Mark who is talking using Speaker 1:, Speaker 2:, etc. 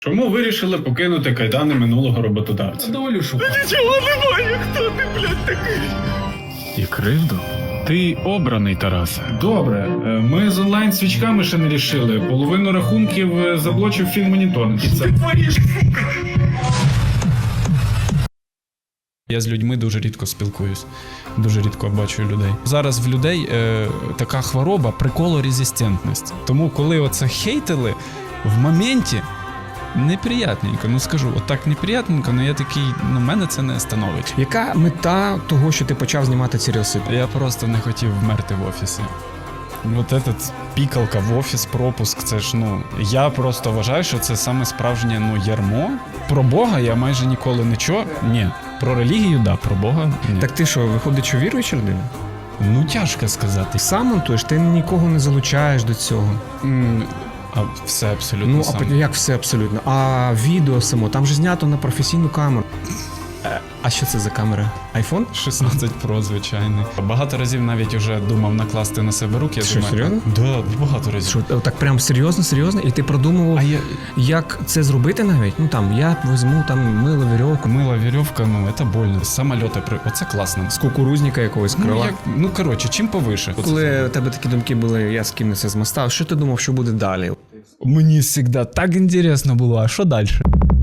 Speaker 1: Чому вирішили покинути кайдани минулого роботодавця?
Speaker 2: Долю шукати.
Speaker 3: Нічого немає, хто ти, блядь, такий?
Speaker 1: І кривду? Ти обраний, Тарасе. Добре, ми з онлайн-свічками ще не рішили. Половину рахунків заблочив фінмонітонг. І це...
Speaker 2: Я з людьми дуже рідко спілкуюсь, дуже рідко бачу людей. Зараз в людей така хвороба приколорезистентність. Тому коли оце хейтили, в моменті неприятненько. Ну скажу, отак неприятненько, але я такий, ну мене це не становить.
Speaker 4: Яка мета того, що ти почав знімати ці рілси?
Speaker 2: Я просто не хотів вмерти в офісі. От этот пікалка в офіс, пропуск, це ж, ну, я просто вважаю, що це саме справжнє, ну, ярмо. Про Бога я майже ніколи не чув. Ні. Про релігію, да, про Бога ні.
Speaker 4: Так ти що, виходить, що віруюча людина?
Speaker 2: Ну, тяжко сказати.
Speaker 4: Сам монтуєш, ти нікого не залучаєш до цього.
Speaker 2: А все абсолютно
Speaker 4: Ну,
Speaker 2: сам.
Speaker 4: а як все абсолютно? А відео само, там же знято на професійну камеру. А що це за камера? Айфон?
Speaker 2: 16 Pro, звичайний. Багато разів навіть уже думав накласти на себе руки. Я
Speaker 4: Що,
Speaker 2: думаю,
Speaker 4: серйозно?
Speaker 2: Да, багато разів.
Speaker 4: Що, так прям серйозно? І ти продумував,
Speaker 2: А я...
Speaker 4: як це зробити навіть? Ну там, я візьму там милу вірьовку,
Speaker 2: Мила вірьовка, ну, це больно. Самольоти, оце класно.
Speaker 4: з кукурузника якогось крила.
Speaker 2: Ну, коротше, чим повише.
Speaker 4: Коли у тебе такі думки були, я скинуся з моста, що ти думав, що буде далі?
Speaker 2: Мені завжди так інтересно було, а що далі?